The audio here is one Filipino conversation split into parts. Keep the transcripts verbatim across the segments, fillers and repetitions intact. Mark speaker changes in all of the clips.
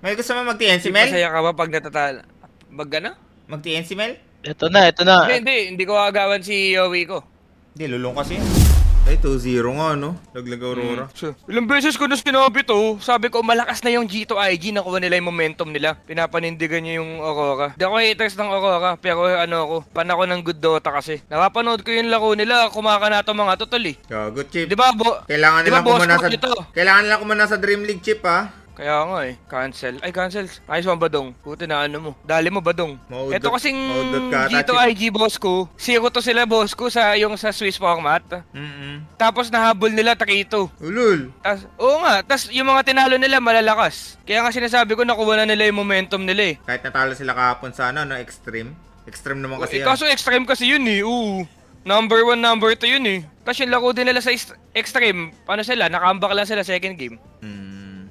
Speaker 1: May gusto mo mag-T N C,
Speaker 2: Di
Speaker 1: Mel?
Speaker 2: masaya ka ba pag natatalo? Mag ano?
Speaker 1: Mag-T N C, Mel?
Speaker 3: Ito na, ito na.
Speaker 2: Hindi, hindi. Hindi ko agawan si Yowie ko.
Speaker 1: Hindi, lulong kasi yun. Ay, two zero nga, no? Laglag Aurora.
Speaker 2: So, ilang beses ko na sinabi to, sabi ko malakas na yung G two I G, nakuha nila yung momentum nila. Pinapanindigan niya yung Aurora. Di ako haters ng Aurora, pero ano ako, pan ako ng good Dota kasi. Napapanood ko yung laro nila, kumakana to mga totol eh.
Speaker 1: Gago, Chip.
Speaker 2: Di ba, bo
Speaker 1: Kailangan
Speaker 2: di ba
Speaker 1: nilang
Speaker 2: boss
Speaker 1: kumana
Speaker 2: ko
Speaker 1: sa...
Speaker 2: ito?
Speaker 1: Kailangan nilang kumana sa Dream League, Chip, ha?
Speaker 2: Kaya nga eh, cancel. Ay, cancel. Ayos mo, Badong. Puti na ano mo. Dali mo, Badong.
Speaker 1: Maudot-
Speaker 2: Ito kasing
Speaker 1: maudot ka ata,
Speaker 2: G two I G boss ko. Zero to sila boss ko sa yung sa Swiss format.
Speaker 1: Mm-mm.
Speaker 2: Tapos nahabol nila Takito.
Speaker 1: Ulul.
Speaker 2: Tas, oo nga, tas yung mga tinalo nila malalakas. Kaya nga sinasabi ko nakuha na nila yung momentum nila eh.
Speaker 1: Kahit natalo sila kahapon sa ano, no? Extreme. Extreme naman kasi
Speaker 2: Eh,
Speaker 1: yun.
Speaker 2: kaso extreme kasi yun eh, oo. Number one, number two yun eh. Tapos yung laro din nila sa est- extreme, paano sila? Nakambak lang sila second game.
Speaker 1: Mm.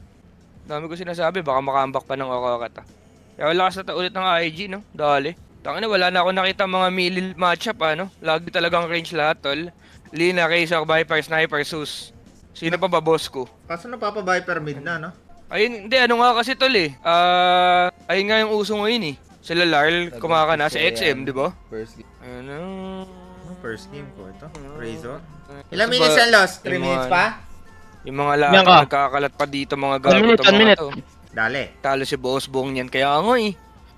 Speaker 2: Dami ko sinasabi, baka makambak pa ng Aurora ta. Kaya wala ka sa ulit ng I G, no? Dali. Tangina, wala na ako nakita mga melee matchup, ano? Lagi talagang range lahat, tol. Lina, Razor, Viper, Sniper, Sus. Sino pa ba boss ko?
Speaker 1: Kaso napapa-Viper mid na, no?
Speaker 2: Ayun, hindi, ano nga kasi tol eh. Ah, ayun nga yung uso ngayon eh. Sila Larl, kumakana sa X M, di ba?
Speaker 1: First game.
Speaker 2: Ano?
Speaker 1: First game ko ito.
Speaker 2: Ah.
Speaker 1: Razor.
Speaker 2: Ito
Speaker 1: Ilang
Speaker 2: ba-
Speaker 1: minutes yan lost? three
Speaker 2: yung
Speaker 1: minutes
Speaker 2: mga-
Speaker 1: pa?
Speaker 2: Yung mga
Speaker 3: Yan
Speaker 2: lahat
Speaker 3: ka.
Speaker 2: nagkakalat pa dito mga
Speaker 3: One
Speaker 2: gago
Speaker 3: minute,
Speaker 2: to
Speaker 3: one
Speaker 2: mga
Speaker 3: minute.
Speaker 2: to.
Speaker 1: Dali.
Speaker 2: Talo si Boss Bong yan, kaya nga eh.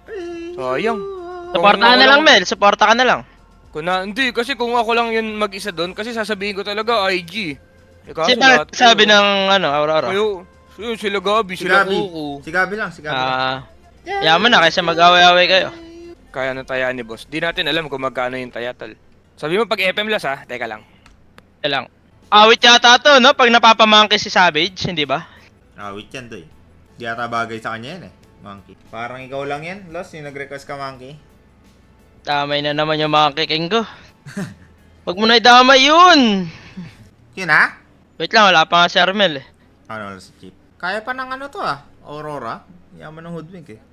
Speaker 2: Sayang.
Speaker 3: Suporta ka na lang, Mel. Suporta ka na lang.
Speaker 2: Kung na, hindi, kasi kung ako lang yun mag-isa doon, kasi sasabihin ko talaga I G. Eh, kaso
Speaker 3: Kasi
Speaker 2: lahat
Speaker 3: bakit sabi
Speaker 2: kayo-
Speaker 3: ng ano, Aurora?
Speaker 2: Kayo, yun, sila Gabi,
Speaker 1: Si
Speaker 2: sila
Speaker 1: Gabi.
Speaker 2: Kuko.
Speaker 1: Si Gabi lang, si Gabi lang.
Speaker 3: Ah, yaman na kaysa mag-away-away kayo.
Speaker 2: Kaya na taya ni Boss. Di natin alam kung magkano yung taya, tol. Sabi mo pag F M las ha, teka lang.
Speaker 3: Ito lang. Awit yata to, no? Pag napapamangke si Savage, hindi ba?
Speaker 1: Awit yan, doy. Di ata bagay sa kanya yan, eh. Monkey. Parang ikaw lang yan, Lost, yung nag-request ka, Monkey.
Speaker 3: Damay na naman yung mga kiking ko. Wag mo na idamay yun!
Speaker 1: Yun, ha?
Speaker 3: Wait lang, wala pa nga si Armel eh.
Speaker 1: Ano, si Chip? Kaya pa ng ano to, ah. Aurora. Yaman ng hoodwink, eh.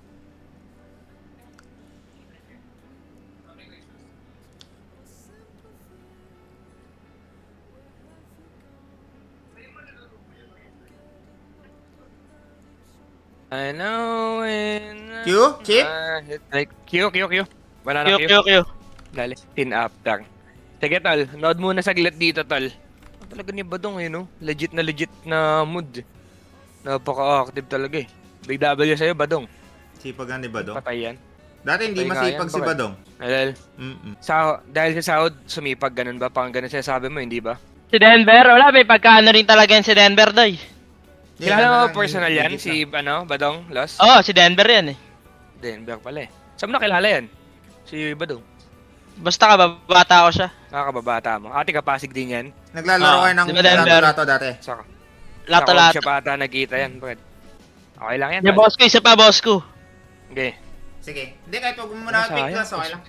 Speaker 2: I know when...
Speaker 1: Q? Chip?
Speaker 2: Ah, like, Q, Q, Q. Banana
Speaker 3: Q,
Speaker 2: Q.
Speaker 3: Q, Q.
Speaker 2: Dali, tin after. Sige, tol. Nood muna saglit dito, tol. Ah, talaga ni Badong, eh, no? Legit na legit na mood. Napaka-active talaga, eh. Big W sa'yo, Badong.
Speaker 1: Sipag nga ni Badong.
Speaker 2: Patay yan.
Speaker 1: Dati hindi
Speaker 2: Patay nga
Speaker 1: masipag
Speaker 2: yan,
Speaker 1: si
Speaker 2: bakit?
Speaker 1: Badong.
Speaker 2: Dahil,
Speaker 1: Mm-mm.
Speaker 2: sa, dahil sa sahod, sumipag, ganun ba? Pang ganun sinasabi mo, hindi ba?
Speaker 3: Si Denver, wala, may pagkaano rin talaga yan si Denver, doy.
Speaker 1: Yeah,
Speaker 2: Kilala
Speaker 1: ano
Speaker 2: mo
Speaker 1: lang,
Speaker 2: personal yan?
Speaker 1: legit
Speaker 2: Si,
Speaker 1: lang.
Speaker 2: ano, Badong? Lost?
Speaker 3: Oo, oh, si Denver yan eh.
Speaker 2: Denver pala, eh. Saan mo nakilala yan? Si Badong.
Speaker 3: Basta ka, babata ko siya.
Speaker 2: Nakakababata mo. Ate Kapasig din yan.
Speaker 1: Naglalaro
Speaker 3: Ah,
Speaker 1: kayo ng
Speaker 3: di ba Denver?
Speaker 1: lato-lato dati.
Speaker 2: Saka.
Speaker 3: Lato-lato.
Speaker 2: Siya pa ata nagkita yan, Brad. Okay lang yan.
Speaker 3: Yung
Speaker 2: tol.
Speaker 3: boss ko, isa pa boss ko.
Speaker 2: Okay.
Speaker 1: Sige. Hindi, kahit huwag mo muna
Speaker 2: Ano,
Speaker 1: pick
Speaker 2: sayang?
Speaker 1: loss, okay lang.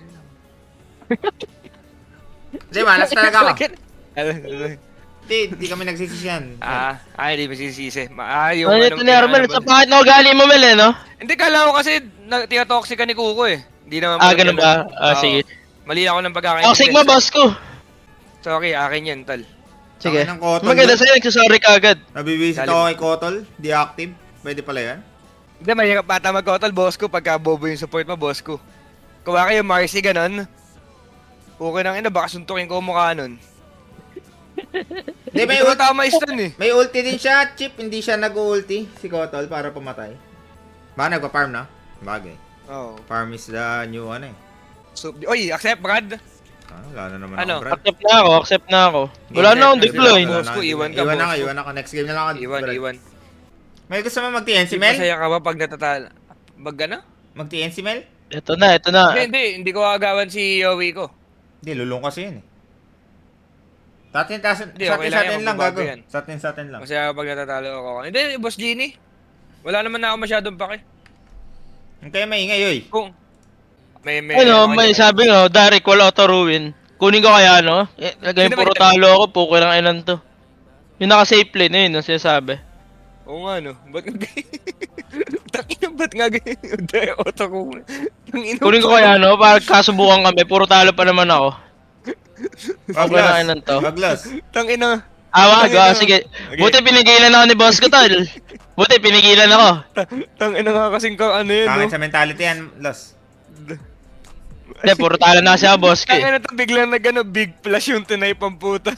Speaker 1: Hindi, malas talaga ako. Hindi, hindi kami nagsisisyan.
Speaker 2: Ah, ay, di masisisi. Ma- Ah, yung
Speaker 3: Ano ito ni Armel, sa bakit na ugali mo, Mel eh, no?
Speaker 2: Hindi, kala ko kasi na, tinatoxic ka ni Kuko eh. Hindi naman.
Speaker 3: Ah,
Speaker 2: pala
Speaker 3: ganun ba? Ah,
Speaker 2: Oo.
Speaker 3: sige.
Speaker 2: Mali ako ng pagkakaintindi.
Speaker 3: Toxic mo, boss ko.
Speaker 2: Sorry, akin yan, tol.
Speaker 3: Sige.
Speaker 1: Tangin ng Kotol
Speaker 3: Maganda
Speaker 1: doon.
Speaker 3: sa'yo, nagsasorry ka agad.
Speaker 1: Nabibisit
Speaker 2: Lalim.
Speaker 1: ako kay Kotol. Deactive. Pwede pala yan.
Speaker 2: Hindi, mahirap bata mag-kotol, boss ko, pagka bobo yung support mo, boss ko. Kuha kayo, Marcy, ganun. Okay nang ina, baka suntukin ko ang mukha nun.
Speaker 1: Hindi, may,
Speaker 2: Ito
Speaker 1: ult-
Speaker 2: tama stun eh.
Speaker 1: may ulti din siya, Chip. Hindi siya nag-ulti, si Kotol, para pumatay. Baka nagpa-farm na? Bagay.
Speaker 2: Oo.
Speaker 1: Farm is the new ano eh.
Speaker 2: So, oy, accept, Brad.
Speaker 1: Ah, wala na naman
Speaker 2: Ano?
Speaker 1: ako, Brad.
Speaker 3: Accept na ako, accept na ako. Wala na akong
Speaker 2: Accept,
Speaker 3: deploy.
Speaker 2: accept. Boss ko, iwan ka,
Speaker 1: Iwan na
Speaker 2: boss
Speaker 1: ka,
Speaker 2: ko.
Speaker 1: iwan na ka. Next game na lang ako.
Speaker 2: Iwan,
Speaker 1: Brad.
Speaker 2: iwan.
Speaker 1: May gusto mo mag-T N C,
Speaker 2: Di
Speaker 1: Mel?
Speaker 2: masaya ka ba pag natatalo? Mag ano?
Speaker 1: Mag-T N C, Mel?
Speaker 3: Ito na, ito na.
Speaker 2: Hindi, hindi. Hindi ko agawan si Yowie ko.
Speaker 1: Hindi, lulong kasi yun eh. Sa atin, sa atin,
Speaker 2: Hindi,
Speaker 1: sa
Speaker 2: okay
Speaker 1: atin,
Speaker 2: lang
Speaker 1: sa atin
Speaker 2: yan,
Speaker 1: lang,
Speaker 2: magbabago
Speaker 1: gago.
Speaker 2: yan.
Speaker 1: Sa atin, sa atin lang.
Speaker 2: Masaya ka pag natatalo ako. Hindi, Boss Genie. Wala naman na ako masyadong pake.
Speaker 1: Ang kaya maingay, oy.
Speaker 2: Kung may may
Speaker 3: Ano, may sabi nga, Derek, wala auto ruin. Kunin ko kaya, no? Eh, lagay
Speaker 2: Sino ba
Speaker 3: puro
Speaker 2: ito?
Speaker 3: talo ako, puko lang ilan to. Yung naka-safe lane, yun, ang sinasabi.
Speaker 2: Oo nga no. Ba't nga Takina, ba't nga ganyan? Dahil auto ko. Tangina.
Speaker 3: Kunin ko kaya, no? Para kasubukan kami, puro talo pa naman ako. Okay lang ilan to.
Speaker 1: Waglas.
Speaker 2: Tangina.
Speaker 3: Ah, wag,
Speaker 2: Tangina.
Speaker 3: ah, sige.
Speaker 2: Okay.
Speaker 3: Buti pinigilan ako ni boss ko, tol. Buti pinigilan ako.
Speaker 2: Tang ina nga kasing ka ano yun,
Speaker 1: Pangit
Speaker 2: no?
Speaker 1: sa mentality yan, Los.
Speaker 3: Hindi, puro talo na siya, boss ko
Speaker 2: Tang
Speaker 3: eh.
Speaker 2: ina to biglang nag ano, big flash yung tunay pamputa.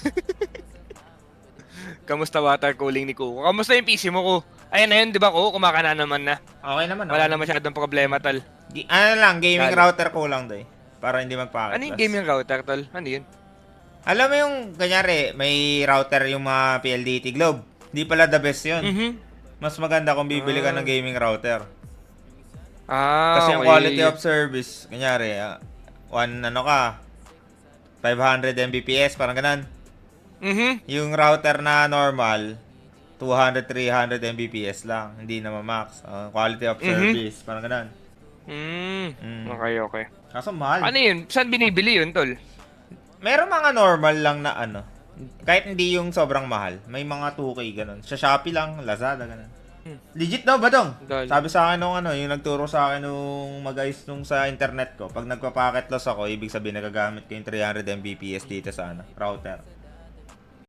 Speaker 2: Kamusta water cooling ni Kuko? Kamusta yung P C mo, Ko? Ayan na yun, di ba, Ko? Kumakana naman na.
Speaker 1: Okay naman.
Speaker 2: Wala
Speaker 1: okay.
Speaker 2: na masyadong problema, tol.
Speaker 1: Gi- ano lang, gaming
Speaker 2: Lalo.
Speaker 1: router ko lang doy. Para hindi magpakit.
Speaker 2: Ano yung
Speaker 1: Los.
Speaker 2: gaming router, tol? Ano yun?
Speaker 1: Alam mo yung, kanyari, may router yung mga P L D T Globe. Hindi pala the best yun.
Speaker 2: Mhm.
Speaker 1: Mas maganda kung bibili ka
Speaker 2: Ah.
Speaker 1: ng gaming router.
Speaker 2: Ah,
Speaker 1: Kasi yung
Speaker 2: okay.
Speaker 1: quality of service, kanyari, ah, one, ano ka, five hundred Mbps, parang ganun.
Speaker 2: Mhm.
Speaker 1: Yung router na normal, two hundred, three hundred Mbps lang. Hindi na ma-max. Ah, quality of
Speaker 2: Mhm.
Speaker 1: service, parang ganun.
Speaker 2: Mm.
Speaker 1: Mm.
Speaker 2: Okay, okay.
Speaker 1: Kaso mahal.
Speaker 2: Ano yun? Saan binibili yun, tol?
Speaker 1: Meron mga normal lang na ano. Kahit hindi yung sobrang mahal. May mga two K ganun. Sa Shopee lang, Lazada ganun.
Speaker 2: Hmm.
Speaker 1: Legit daw ba dong?
Speaker 2: Dali.
Speaker 1: Sabi sa akin nung ano, yung nagturo sa akin nung mag-ayos nung sa internet ko. Pag nagpa-packet loss ako, ibig sabihin nagagamit ko yung three hundred Mbps dito sa ano, router.